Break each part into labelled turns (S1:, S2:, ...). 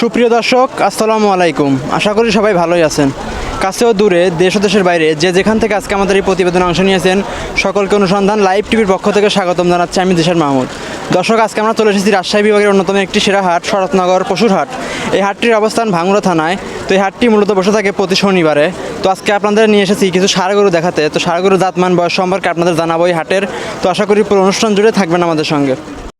S1: সুপ্রিয় দর্শক, আসসালামু আলাইকুম। আশা করি সবাই ভালোই আছেন। কাছে ও দূরে, দেশ ও দেশের বাইরে যে যেখান থেকে আজকে আমাদের এই প্রতিবেদনে অংশ নিয়েছেন সকলকে অনুসন্ধান লাইভ টিভির পক্ষ থেকে স্বাগতম জানাচ্ছি আমি দেশের মাহমুদ। দর্শক, আজকে আমরা চলে এসেছি রাজশাহী বিভাগের অন্যতম একটি সেরা হাট, শরৎনগর পশুর হাট। এই হাটটির অবস্থান ভাঙ্গুড়া থানায়। তো এই হাটটি মূলত বসে থাকে প্রতি শনিবারে। তো আজকে আপনাদের নিয়ে এসেছি কিছু ষাঁড় গরু দেখাতে। তো ষাঁড় গরু জাতমান বয়স সম্পর্কে আপনাদের জানাবো এই হাটের। তো আশা করি পুরো অনুষ্ঠান জুড়ে থাকবেন আমাদের সঙ্গে।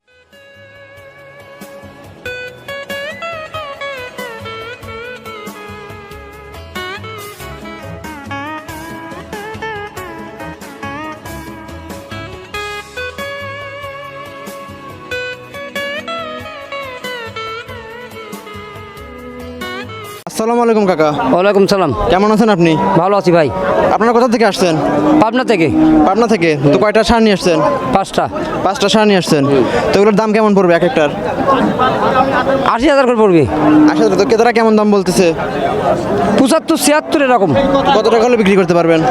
S1: আসসালামু আলাইকুম কাকা।
S2: ওয়ালাইকুম সালাম।
S1: কেমন আছেন আপনি?
S2: ভালো আছি ভাই।
S1: আপনারা কোথা থেকে আসছেন?
S2: পাবনা থেকে।
S1: পাবনা থেকে। তো কয়টা ষাঁড় নিয়ে আসছেন?
S2: 5টা।
S1: 5টা ষাঁড় নিয়ে আসছেন। তো এগুলোর দাম কেমন পড়বে এক একটার?
S2: 80,000 করে পড়বে।
S1: 80,000। তো ক্রেতারা কেমন দাম বলতেছে?
S2: 75, 76 এরকম।
S1: কত টাকা হলে বিক্রি করতে পারবেন?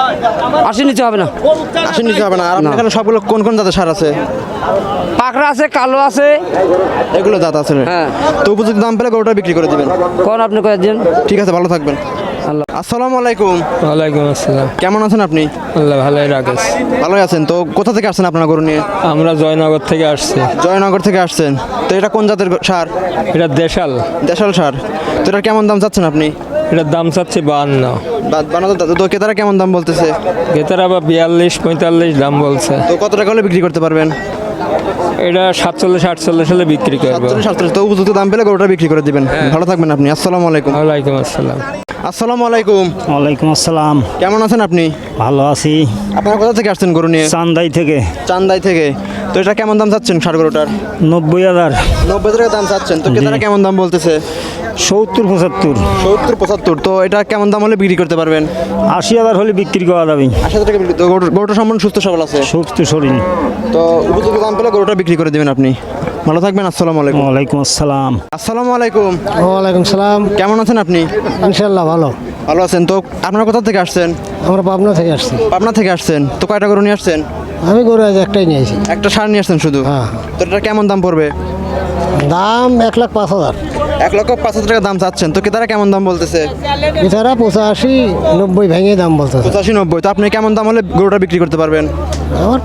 S2: 80 নিচে হবে না।
S1: 80 নিতে হবে না। আর আপনার এখানে সবগুলো কোন কোন জাতের ষাঁড় আছে?
S2: পাকড়া আছে, কালো আছে।
S1: এগুলো জাত আছে।
S2: হ্যাঁ।
S1: তো উপযুক্ত দাম পেলে গরুটা বিক্রি করে দিবেন।
S2: কোন আপনি কয়েকজন?
S1: ঠিক আছে, ভালো থাকবেন।
S2: আল্লাহ।
S1: আসসালামু আলাইকুম।
S3: ওয়ালাইকুম আসসালাম।
S1: কেমন আছেন আপনি?
S3: আল্লাহ ভালোই রাখেস।
S1: ভালোই আছেন। তো কোথা থেকে আসছেন আপনার গরু নিয়ে?
S3: আমরা জয়নগর থেকে আসছি।
S1: জয়নগর থেকে আসছেন। তো এটা কোন জাতের ষাঁড়?
S3: এটা দেশাল।
S1: দেশাল ষাঁড়। তো এটার কেমন দাম চাচ্ছেন আপনি?
S3: এটার দাম চাচ্ছে 52।
S1: বানাতে তো ক্রেতারা কেমন দাম বলতেছে?
S3: ভেতরে আবার 42-45 দাম বলছে।
S1: তো কত টাকা হলে বিক্রি করতে পারবেন?
S3: এটা 47-48 হলে বিক্রি করবো।
S1: 47। তো উপযুক্ত দাম পেলে গরুটা বিক্রি করে দিবেন। ভালো থাকবেন আপনি। আসসালামু আলাইকুম।
S3: ওয়ালাইকুম আসসালাম।
S1: আসসালামু আলাইকুম।
S4: ওয়ালাইকুম আসসালাম।
S1: কেমন আছেন আপনি?
S4: ভালো আছি।
S1: আপনারা কোথা থেকে আসছেন গরু নিয়ে?
S4: চান্দাই থেকে।
S1: চান্দাই থেকে। তো এটা কেমন দাম চাচ্ছেন ষাঁড় গরুটার?
S4: 90,000।
S1: 90 টাকা দাম চাচ্ছেন। তো ক্রেতারা কেমন দাম বলতেছে?
S4: 70-75।
S1: 70-75। তো এটা কেমন দাম হলে বিক্রি করতে পারবেন?
S4: 80,000 হলে বিক্রি করা যাবে।
S1: 80 টাকা বিক্রি। তো গরুটা সম্পূর্ণ সুস্থ সবল আছে।
S4: সুস্থ শরীর।
S1: তো উপযুক্ত দাম পেলে গরুটা বিক্রি করে দিবেন আপনি। ভালো থাকবেন। আসসালামু আলাইকুম।
S4: ওয়ালাইকুম আসসালাম।
S1: আসসালামু আলাইকুম।
S5: ওয়ালাইকুম সালাম।
S1: কেমন আছেন আপনি?
S5: ইনশাল্লাহ ভালো।
S1: ভালো আছেন। তো আপনারা কোথা থেকে আসছেন?
S5: আমরা পাবনা থেকে আসছি।
S1: পাবনা থেকে আসছেন। তো কয়টা গরু নিয়ে আসছেন?
S5: আমি গরু আজ একটাই নিয়েছি।
S1: একটা ষাঁড় নিয়ে আসছেন শুধু?
S5: হ্যাঁ।
S1: তো এটা কেমন দাম পড়বে?
S5: দাম 1,05,000।
S1: 1,05,000 টাকা দাম চাচ্ছেন। তো ক্রেতারা কেমন দাম বলতেছে?
S5: এছাড়া 85-90 ভেঙে দাম বলতেছে।
S1: 85-90। তো আপনি কেমন দাম হলে গরুটা বিক্রি করতে পারবেন?
S5: আমার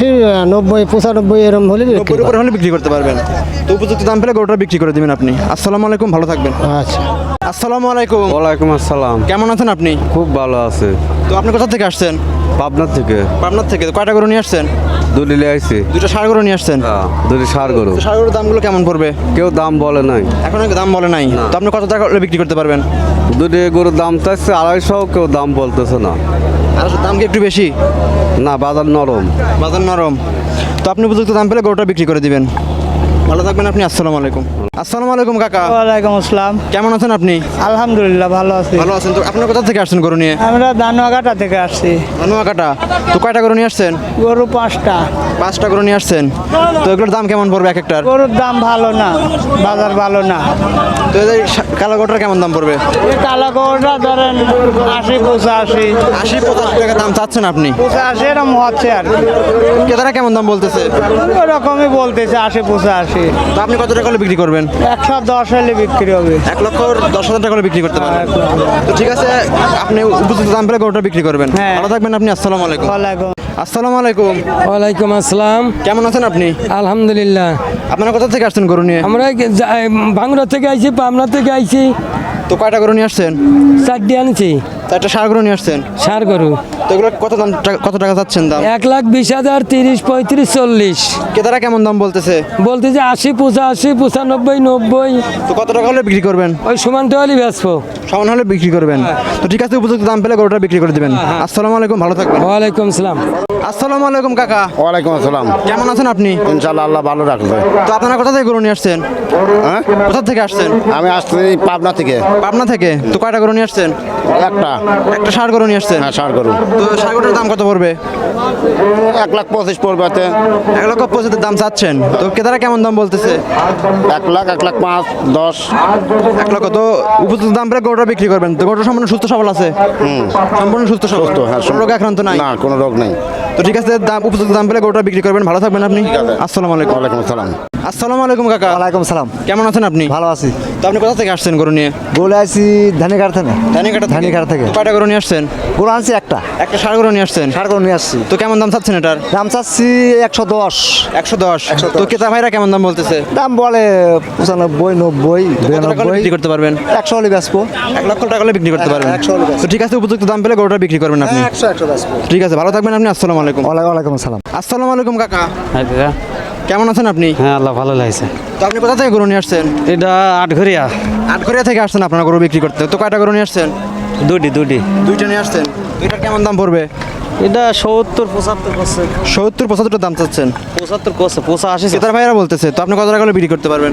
S5: 85-90-95 এরম হলে বিক্রি
S1: 90 উপরে হলে বিক্রি করতে পারবেন। তো উপযুক্ত দাম পেলে গরুটা বিক্রি করে দিবেন আপনি। আসসালামু আলাইকুম। ভালো থাকবেন।
S5: আচ্ছা।
S1: আসসালামু আলাইকুম।
S6: ওয়ালাইকুম আসসালাম।
S1: কেমন আছেন আপনি?
S6: খুব ভালো আছে।
S1: তো আপনি কোথা থেকে আসছেন?
S6: পাবনার থেকে।
S1: পাবনার থেকে। তো কয়টা গরু নিয়ে আসছেন?
S6: দুলিলে আইছি।
S1: দুটো ষাঁড় গরু নিয়ে আসছেন।
S6: দুলি সার গরু।
S1: তো ষাঁড় গরুর দামগুলো কেমন পড়বে?
S6: কেউ দাম বলে নাই।
S1: এখন দাম বলে নাই। তো আপনি কত টাকা হলে বিক্রি করতে পারবেন?
S6: দুলি গরুর দাম চাইছে 250, কেউ দাম বলতেছে না।
S1: আর দাম কি একটু বেশি?
S6: না, বাজার নরম।
S1: বাজার নরম। তো আপনি উপযুক্ত দাম পেলে গরুটা বিক্রি করে দিবেন। ভালো থাকবেন আপনি। আসসালামু আলাইকুম। আসসালামু আলাইকুম কাকা।
S4: ওয়ালাইকুম আসসালাম।
S1: কেমন আছেন আপনি?
S4: আলহামদুলিল্লাহ ভালো আছি।
S1: ভালো আছেন। তো আপনার কোথা থেকে আসছেন গরু নিয়ে?
S4: আমরা দানোয়াঘাটা থেকে আসছি।
S1: নোয়াকাটা। তো কয়টা গরু নিয়ে আসছেন?
S4: গরু 5টা।
S1: 5টা গরু নিয়ে আসছেন। তো এগুলোর দাম কেমন পড়বে এক একটার?
S4: গরুর দাম ভালো না, বাজার ভালো না।
S1: তো এই কালো গরুটার কেমন দাম পড়বে?
S4: এই কালা গরুটা ধরেন 80-85।
S1: 80-85 টাকা দাম চাচ্ছেন আপনি।
S4: 85 এরম হচ্ছে আর কি।
S1: ক্রেতারা কেমন দাম বলতেছে?
S4: ওরকমই বলতেছে 80-85।
S1: তো আপনি কত টাকা হলে বিক্রি করবেন?
S4: 110 হলে বিক্রি হবে।
S1: 1,10,000 টাকা হলে বিক্রি করতে পারবেন। তো ঠিক আছে, আপনি উপযুক্ত দাম পেলে গরুটা বিক্রি করবেন।
S4: হ্যাঁ।
S1: ভালো থাকবেন আপনি। আসসালামু আলাইকুম।
S4: ওয়ালাইকুম।
S1: আসসালামু আলাইকুম।
S3: ওয়ালাইকুম আসসালাম।
S1: কেমন আছেন আপনি?
S3: আলহামদুলিল্লাহ।
S1: আপনারা কোথা থেকে আসছেন গরু নিয়ে?
S3: আমরা ভাঙ্গুড়া থেকে আইছি, পাবনা থেকে আইছি।
S1: তো কয়টা গরু নিয়ে আসছেন?
S3: 4টি আনছি।
S1: তো একটা ষাঁড় গরু নিয়ে আসছেন।
S3: ষাঁড় গরু।
S1: তো এগুলো কত টাকা চাচ্ছেন দাম?
S3: 1,20,000, 30, 35, 40।
S1: ক্রেতারা কেমন দাম বলতেছে?
S3: বলতেছে 80-85, 95, 90।
S1: তো কত টাকা হলে বিক্রি করবেন?
S3: ওই সমানটা হলে বেচবো।
S1: সমান হলে বিক্রি করবেন। তো ঠিক আছে, উপযুক্ত দাম পেলে গরুটা বিক্রি করে দিবেন। আসসালামু আলাইকুম। ভালো থাকবেন।
S3: ওয়ালাইকুম সালাম।
S1: আসসালামু আলাইকুম কাকা।
S7: ওয়ালাইকুম আসসালাম।
S1: কেমন আছেন আপনি?
S7: ইনশাল্লাহ আল্লাহ ভালো রাখবে।
S1: তো আপনারা কোথা থেকে গরু নিয়ে আসছেন?
S7: হ্যাঁ,
S1: কোথা থেকে আসছেন?
S7: আমি আসছি পাবনা থেকে।
S1: পাবনা থেকে। তো কয়টা গরু নিয়ে আসছেন? একটা ষাঁড় গরু নিয়ে আসছেন।
S7: হ্যাঁ, ষাঁড় গরু।
S1: তো ষাঁড় গরুটার দাম কত পড়বে?
S7: 1,25,000 পড়বে।
S1: 1,25,000 দাম চাচ্ছেন। তো ক্রেতারা কেমন দাম বলতেছে?
S7: 1,05,000, 10।
S1: 1,00,000। তো উপযুক্ত দাম পেলে গরুটা বিক্রি করবেন। তো গরুটা সম্পূর্ণ সুস্থ সবল আছে? সম্পূর্ণ সুস্থ সবল।
S7: হ্যাঁ,
S1: কোনো রোগে আক্রান্ত নাই?
S7: না, কোনো রোগ নেই।
S1: তো ঠিক আছে, উপযুক্ত দাম পেলে গরুটা বিক্রি করবেন। ভালো থাকবেন আপনি। আসসালামু আলাইকুম।
S7: ওয়ালাইকুম আসসালাম।
S1: আসসালামু আলাইকুম কাকা।
S5: ওয়ালাইকুম সালাম।
S1: কেমন আছেন আপনি?
S5: ভালো আছি।
S1: তো আপনি কোথা থেকে আসছেন গরু নিয়ে?
S8: গোলে আছি ধানিঘাট থেকে। ধানিঘাট থেকে।
S1: তো কয়টা গরু নিয়ে আসছেন?
S8: গরু আনছি একটা
S1: একটা ষাঁড় গরু নিয়ে আসছেন।
S8: ষাট গরু নিয়ে আসছি।
S1: তো কেমন দাম চাচ্ছেন এটার?
S8: দাম চাচ্ছি 110।
S1: 110। তো ক্রেতা ভাইরা কেমন দাম বলতেছে?
S8: দাম বলে 95, 90,
S1: কত টাকা হলে
S8: 92।
S1: বিক্রি করতে পারবেন?
S8: 100 হলে বেচবো।
S1: 1 লক্ষ টাকা হলে বিক্রি করতে পারবেন।
S8: 100 হলে বেচবো।
S1: তো ঠিক আছে, উপযুক্ত দাম পেলে গরুটা বিক্রি করবেন আপনি।
S8: 100 বেচবো।
S1: ঠিক আছে, ভালো থাকবেন আপনি। আসসালামু আলাইকুম।
S8: ওয়ালাইকুম আসসালাম।
S1: আসসালামু আলাইকুম কাকা, কেমন আছেন আপনি?
S2: হ্যাঁ আল্লাহ ভালো লাগছে।
S1: তো আপনি কোথা থেকে গরু নিয়ে আসছেন?
S2: এটা আটঘরিয়া।
S1: আটঘরিয়া থেকে আসছেন আপনারা গরু বিক্রি করতে। তো কয়টা গরু নিয়ে আসছেন?
S2: দুটি
S1: দুইটা নিয়ে আসছেন। দুইটার কেমন দাম পড়বে?
S2: এটা 70-75 করছে।
S1: 70-75 দাম চাচ্ছেন।
S2: 75 করছে, 85
S1: ক্রেতার ভাইরা বলতেছে। তো আপনি কত টাকা হলে বিক্রি করতে পারবেন?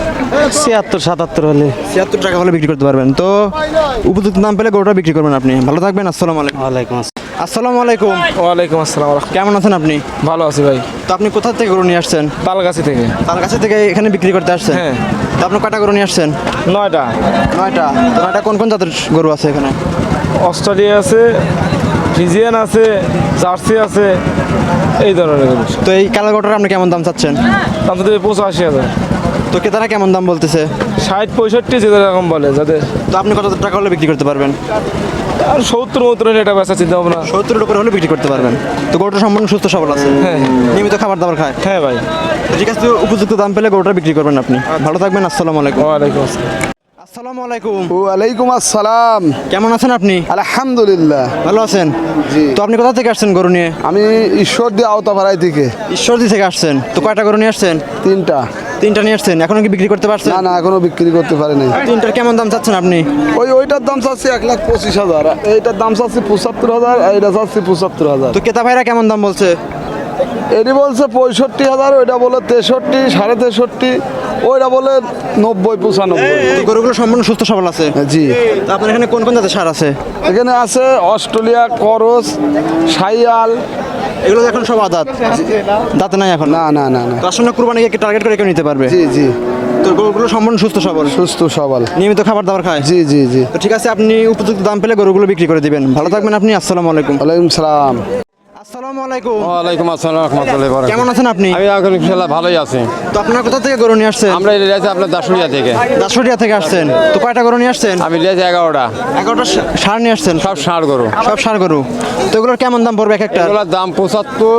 S2: 76-77 হলে।
S1: 76 টাকা হলে বিক্রি করতে পারবেন। তো উপযুক্ত দাম পেলে গরুটা বিক্রি করবেন আপনি। ভালো থাকবেন। আসসালামু আলাইকুম।
S2: ওয়ালাইকুম আসসালাম।
S1: আসসালামু আলাইকুম।
S3: ওয়ালাইকুম আসসালাম।
S1: কেমন আছেন আপনি?
S3: ভালো আছি ভাই।
S1: তো আপনি কোথা থেকে গরু নিয়ে আসছেন?
S3: তালগাছি থেকে।
S1: তার কাছে থেকে এখানে বিক্রি করতে আসছেন?
S3: হ্যাঁ।
S1: তো আপনি কয়টা গরু নিয়ে আসছেন?
S3: 9টা।
S1: 9টা। তো 9টা কোন কোন জাতের গরু আছে এখানে?
S3: অস্ট্রেলিয়া আছে, ফিজিয়ান আছে, জার্সি আছে, এই ধরনের গরু।
S1: তো এই কালো গরুটার আপনি কেমন দাম চাচ্ছেন?
S3: দাম তো 85,000।
S1: তো ক্রেতারা কেমন দাম বলতেছে?
S3: 60-65 যে রকম বলে যাদের।
S1: তো আপনি কত টাকা হলে বিক্রি করতে পারবেন?
S3: আর 70-72 হলে এটা বেচা চিন্তা ভাবনা।
S1: 70 উপরে হলে বিক্রি করতে পারবেন। তো গরুটা সম্পূর্ণ সুস্থ সবল আছে?
S3: হ্যাঁ।
S1: নিয়মিত খাবার দাবার খায়?
S3: হ্যাঁ ভাই।
S1: তো ঠিক আছে, তো উপযুক্ত দাম পেলে গরুটা বিক্রি করবেন আপনি। ভালো থাকবেন। আসসালামু আলাইকুম।
S3: ওয়ালাইকুম আসসালাম।
S1: আসসালামু আলাইকুম।
S6: ওয়ালাইকুম আসসালাম।
S1: কেমন আছেন আপনি?
S6: আলহামদুলিল্লাহ।
S1: ভালো আছেন?
S6: জি।
S1: তো আপনি কোথা থেকে আসছেন গরু নিয়ে?
S6: আমি ঈশ্বরদী আওতাপাড়ায় থেকে।
S1: ঈশ্বরদী থেকে আসছেন। তো কয়টা গরু নিয়ে আসছেন?
S6: 3টা।
S1: 3টা নিয়ে আসছেন। এখনো কি বিক্রি করতে পারছেন?
S6: না না, এখনো বিক্রি করতে পারি নাই।
S1: 3টার কেমন দাম চাচ্ছেন আপনি?
S6: ওইটার দাম চাচ্ছি 1,25,000, এইটার দাম চাচ্ছি 75,000, এইটা চাচ্ছি 75,000।
S1: তো ক্রেতা ভাইরা কেমন দাম বলছে?
S6: এটি বলছে 65,000, ওইটা বলে 63, 63.5, ওইটা বলে 90-95।
S1: তো গরুগুলো সম্পূর্ণ সুস্থ সবল আছে?
S6: জি।
S1: তো আপনার এখানে কোন কোন জাতের সার আছে?
S6: এখানে আছে অস্ট্রেলিয়া, করস, সাইয়াল।
S1: এগুলো এখন সব আদাত, দাঁতে নাই এখন?
S6: না না না না।
S1: তো আসলে কুরবানিকে টার্গেট করে কেউ নিতে পারবে?
S6: জি জি।
S1: তো গরুগুলো সম্পূর্ণ সুস্থ সবল,
S6: সুস্থ সবল,
S1: নিয়মিত খাবার দাবার খায়?
S6: জি জি জি।
S1: তো ঠিক আছে, আপনি উপযুক্ত দাম পেলে গরুগুলো বিক্রি করে দিবেন। ভালো থাকবেন আপনি। আসসালামু আলাইকুম।
S6: ওয়ালাইকুম সালাম।
S1: আসসালামু আলাইকুম।
S9: ওয়ালাইকুম আসসালাম রহমতুল্লাহ।
S1: কেমন আছেন আপনি?
S9: আমি এখন ইনশাল্লাহ ভালোই আছি।
S1: তো আপনার কোথা থেকে গরু নিয়ে আসছেন?
S9: আমরা লিয়েছি আপনার দাসুরিয়া থেকে।
S1: দাসুরিয়া থেকে আসছেন। তো কয়টা গরু নিয়ে আসছেন?
S9: আমি লিয়েছি 11টা।
S1: 11টা সার নিয়ে আসছেন?
S9: সব ষাঁড় গরু।
S1: সব সার গরু। তো এগুলোর কেমন দাম পড়বে এক একটা?
S9: এগুলোর দাম 75,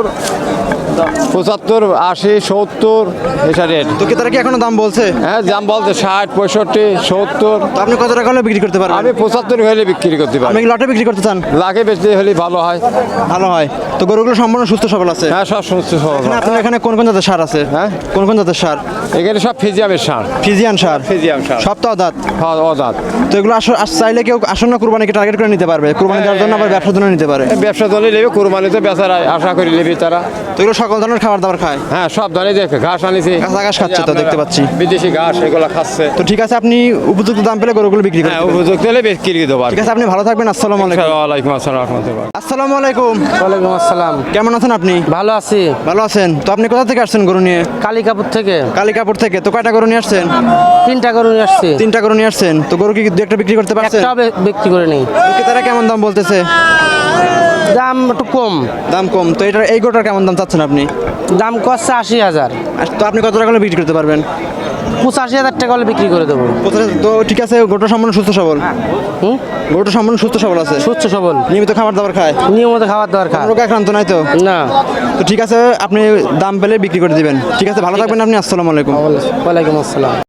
S9: 80, 70 এটা রেট।
S1: তো ক্রেতারা কি এখনো দাম বলছে?
S9: হ্যাঁ, দাম বলতে 60, 65, 70।
S1: তো আপনি কত টাকা হলে বিক্রি করতে পারবেন?
S9: আমি 75 হলে বিক্রি করতে
S1: আপনি
S9: পারি।
S1: কি লটে বিক্রি করতে চান?
S9: লাখে বেচতে হলে ভালো হয়।
S1: ভালো হয়। তো গরুগুলো সম্পূর্ণ সুস্থ সবল আছে?
S9: হ্যাঁ, সব সুস্থ সবল।
S1: এখানে আপনার এখানে কোন কোন জাতের সার আছে?
S9: হ্যাঁ?
S1: কোন কোন জাতের সার?
S9: এখানে সব ফিজিয়ামের ষাঁড়।
S1: ফিজিয়ান সার?
S9: ফিজিয়াম ষাঁড়।
S1: সব তো দাঁত?
S9: হ্যাঁ, অজাত।
S1: তো এগুলো চাইলে কেউ আসন্ন কুরবানিকে টার্গেট করে নিতে পারবে, কুরবানি দেওয়ার জন্য আবার ব্যবসার জন্য নিতে পারে।
S9: ব্যবসা দলে নেবে, কোরবানিতে বেচার আশা করি নেবে তারা।
S1: তো এগুলো সকল ধরনের খাবার দাবার খায়?
S9: হ্যাঁ, সব ধরনের দেখে ঘাস আনিছি।
S1: ঘাস খাচ্ছে তো দেখতে পাচ্ছি।
S9: বিদেশি ঘাস এগুলো খাচ্ছে।
S1: তো ঠিক আছে, আপনি উপযুক্ত দাম পেলে গরুগুলো বিক্রি
S9: হ্যাঁ,
S1: করবেন।
S9: উপযুক্ত হলে বিক্রি দেবো।
S1: ঠিক আছে, আপনি ভালো থাকবেন। আসসালামু আলাইকুম।
S9: ওয়ালাইকুম আসসালাম রহমতুল্লাহ।
S1: আসসালামু আলাইকুম।
S2: ওয়ালাইকুম আসসালাম।
S1: কেমন আছেন আপনি?
S2: ভালো আছি।
S1: ভালো আছেন। তো আপনি কোথা থেকে আসছেন গরু নিয়ে?
S2: কালিকাপুর থেকে।
S1: কালিকাপুর থেকে। তো কয়টা গরু নিয়ে আসছেন?
S2: 3টা গরু নিয়ে আসছি।
S1: 3টা গরু নিয়ে আসছেন। তো গরু কি দু একটা বিক্রি করতে পারছেন?
S2: একটা বিক্রি করে নেই।
S1: তারা কেমন দাম বলতেছে?
S2: দাম একটু কম।
S1: দাম কম। তো এই গরুটার কেমন দাম চাচ্ছেন আপনি?
S2: দাম করছে 80,000।
S1: তো আপনি কত টাকা হলে বিক্রি করতে পারবেন?
S2: 85,000 টাকা হলে বিক্রি করে দেবো।
S1: তো ঠিক আছে, গরুটা সম্পূর্ণ সুস্থ সবল?
S2: হুম,
S1: গরুটা সম্পূর্ণ সুস্থ সবল আছে?
S2: সুস্থ সবল,
S1: নিয়মিত খাবার দাবার খায়?
S2: নিয়মিত খাবার দাবার খায়।
S1: রোগ আক্রান্ত নাই তো?
S2: না।
S1: তো ঠিক আছে, আপনি দাম পেলে বিক্রি করে দিবেন। ঠিক আছে, ভালো থাকবেন আপনি। আসসালামু আলাইকুম।
S2: ওয়ালাইকুম আসসালাম।